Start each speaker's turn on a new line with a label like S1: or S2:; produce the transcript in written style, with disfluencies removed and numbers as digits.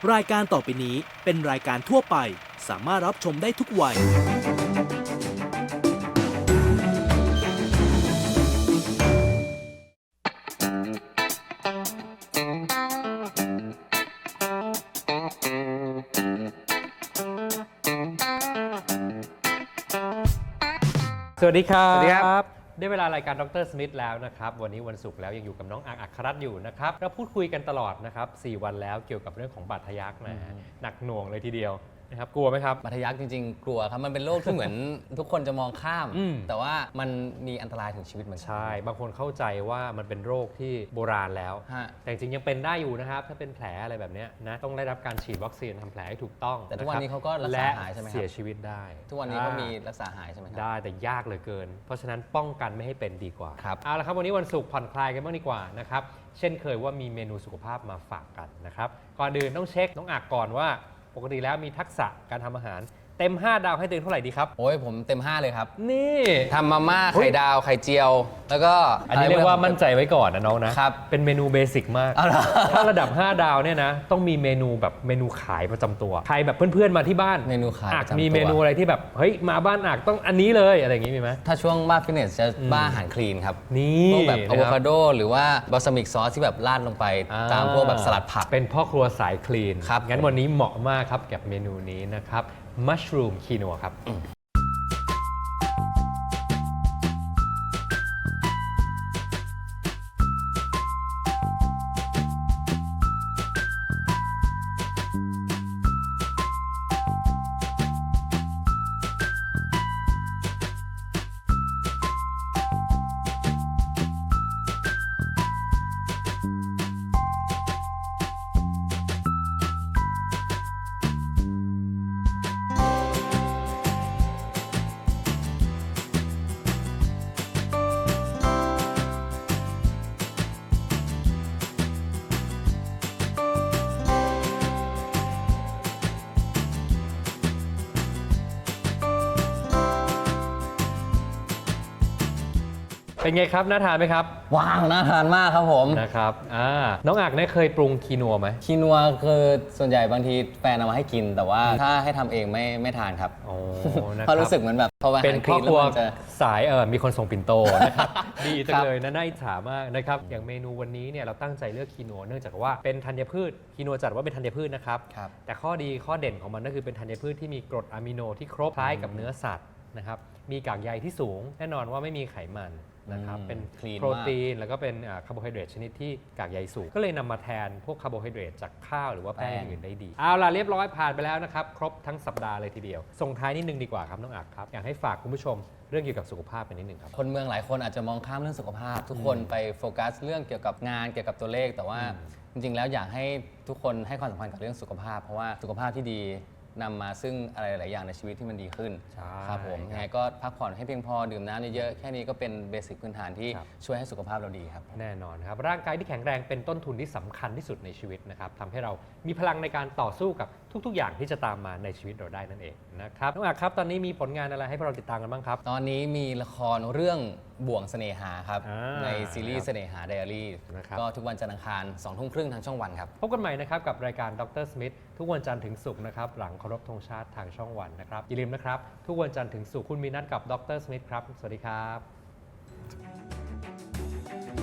S1: รายการต่อไปนี้เป็นรายการทั่วไปสามารถรับชมได้ทุกวัย
S2: สวัสดีครับ
S3: สวัสดีครับ
S2: ได้เวลารายการดรสมิธแล้วนะครับวันนี้วันศุกร์แล้วยังอยู่กับน้องอัครรัตน์อยู่นะครับเราพูดคุยกันตลอดนะครับ4วันแล้วเกี่ยวกับเรื่องของบาดทะยักนะหนักหน่วงเลยทีเดียวนะครับกลัวไหมครับ
S3: บาดทะยักจริงๆ กลัวครับมันเป็นโรคที่เหมือน ทุกคนจะมองข้าม แต่ว่ามันมีอันตรายถึงชีวิตเหมือนกัน
S2: ใช่บางคนเข้าใจว่ามันเป็นโรคที่โบราณแล้ว
S3: ฮะ
S2: แต่จริงๆยังเป็นได้อยู่นะครับถ้าเป็นแผลอะไรแบบเนี้ยนะต้องได้รับการฉีดวัคซีนทำแผลให้ถูกต้อง
S3: แต่ทุกวันนี้เขาก็รักษา
S2: และ
S3: หายใช่ไหมครับ
S2: เสียชีวิตได้
S3: ทุกวันนี้ก็มีรักษาหายใช่ไหมครั
S2: ได้แต่ยากเหลือเกิน เพราะฉะนั้นป้องกันไม่ให้เป็นดีกว่า
S3: ครับ
S2: เอาละครับวันนี้วันศุกร์ผ่อนคลายกันบ้างดีกว่านะครับเช่นเคยว่ามีเมนูสุขภาพมาฝากกันนะครับก่อนอื่นต้องเช็คน้องอักก่อนว่าปกติแล้วมีทักษะการทำอาหารเต็ม 5 ดาวให้ตัวเองเท่าไหร่ดีครับ
S3: โอ้ยผมเต็ม 5 เลยครับ
S2: นี่
S3: ทำมาม่าไข่ดาวไข่เจียว แล้วก็
S2: อันนี้เรียกว่ามั่นใจไว้ก่อนนะน้องนะครับ เป็นเมนูเบสิกมาก
S3: เอาเหรอ
S2: ถ้าระดับ 5 ดาวเนี่ยนะต้องมีเมนูแบบเมนูขายประจำตัวใครแบบเพื่อนๆมาที่บ้าน
S3: เมนูขาย
S2: อั
S3: ป
S2: ก
S3: ระจำตัว
S2: มีเมนูอะไรที่แบบเฮ้ยมาบ้านอักต้องอันนี้เลยอะไรอย่างงี้มีไหม
S3: ถ้าช่วงบ้าฟิตเนสจะบ้าอาหารคลีนครับ
S2: นี่
S3: พวกแบบอะ
S2: นะ
S3: โว
S2: ครับ
S3: คาโดหรือว่าบาซามิกซอสที่แบบราดลงไป ตามพวกแบบสลัดผัก
S2: เป็นพ่อครัวสายคลีน
S3: ครับ
S2: งั้นวันนี้เหมาะมากครับกับเมนูนี้นะครับมัชรูมคีนัวครับ เป็นไงครับน่าทานไหมครับ
S3: ว้าวน่าทานมากครับผม
S2: นะครับน้องอักเนี่ยเคยปรุงคีนัวไหม
S3: คีนัวคือส่วนใหญ่บางทีแฟนเอามาให้กิน แต่ว่าถ้าให้ทำเองไม่ทานครับ
S2: โอ้นะค
S3: เพ
S2: รับ
S3: ราะรู้สึกเหมือนแบบพอไป
S2: เป็น
S3: หา
S2: ครอบครัว
S3: แล้วมันจะ
S2: สายมีคนส่งปิ่นโตนะครับ ดีจั
S3: ครั
S2: ง
S3: บ
S2: เลยนะน่าอิจฉามากนะครับอย่างเมนูวันนี้เนี่ยเราตั้งใจเลือกคีนัวเนื่องจากว่าเป็นธัญพืชคีนัวจัดว่าเป็นธัญพืชนะครับ
S3: ครับ
S2: แต่ข้อดีข้อเด่นของมันก็คือเป็นธัญพืชที่มีกรดอะมิโนที่ครบคล้ายกับเนื้อสัตว์นะครับมีกากใยที่สูงแน่นอนว่าไม่มีไขมันนะครับเป็น
S3: clean
S2: โปรตีนแล้วก็เป็นคาร์โบไฮเดรตชนิดที่กากใยสูง ก็เลยนำมาแทนพวกคาร์โบไฮเดรตจากข้าวหรือว่าแป้งอื่นได้ดีเอาล่ะเรียบร้อยผ่านไปแล้วนะครับครบทั้งสัปดาห์เลยทีเดียวส่งท้ายนิดนึงดีกว่าครับน้องอักครับอยากให้ฝากคุณผู้ชมเรื่องเกี่ยวกับสุขภาพกันนิดนึงครับ
S3: คนเมืองหลายคนอาจจะมองข้ามเรื่องสุขภาพ ทุกคนไปโฟกัสเรื่องเกี่ยวกับงานเกี่ยวกับตัวเลข แต่ว่าจริงๆแล้วอยากให้ทุกคนให้ความสำคัญกับเรื่องสุขภาพ เพราะว่าสุขภาพที่ดีนำมาซึ่งอะไรหลายอย่างในชีวิตที่มันดีขึ้น
S2: ใช่
S3: ครับผมยังไงก็พักผ่อนให้เพียงพอดื่มน้ำเยอะๆแค่นี้ก็เป็นเบสิกพื้นฐานที่
S2: ครับ
S3: ช่วยให้สุขภาพเราดีครับ
S2: แน่นอนครับร่างกายที่แข็งแรงเป็นต้นทุนที่สำคัญที่สุดในชีวิตนะครับทำให้เรามีพลังในการต่อสู้กับทุกๆ อย่างที่จะตามมาในชีวิตเราได้นั่นเองนะครับน้องอักครับตอนนี้มีผลงานอะไรให้พวกเราติดตามกันบ้างครับ
S3: ตอนนี้มีละครเรื่องบ่วงเสน่หาครับ
S2: อ่า
S3: ในซีรีส์เสน่หาไดอารี่
S2: นะครับ
S3: ก็ทุกวันจันทร์อังคาร2 ทุ่มครึ่งทางช่องวันครับ
S2: พบกันใหม่นะครับกับรายการดรสมิธทุกวันจันทร์ถึงศุกร์นะครับหลังเคารพธงชาติทางช่องวันนะครับอย่าลืมนะครับทุกวันจันทร์ถึงศุกร์คุณมีนัดกับดรสมิธครับสวัสดีครับ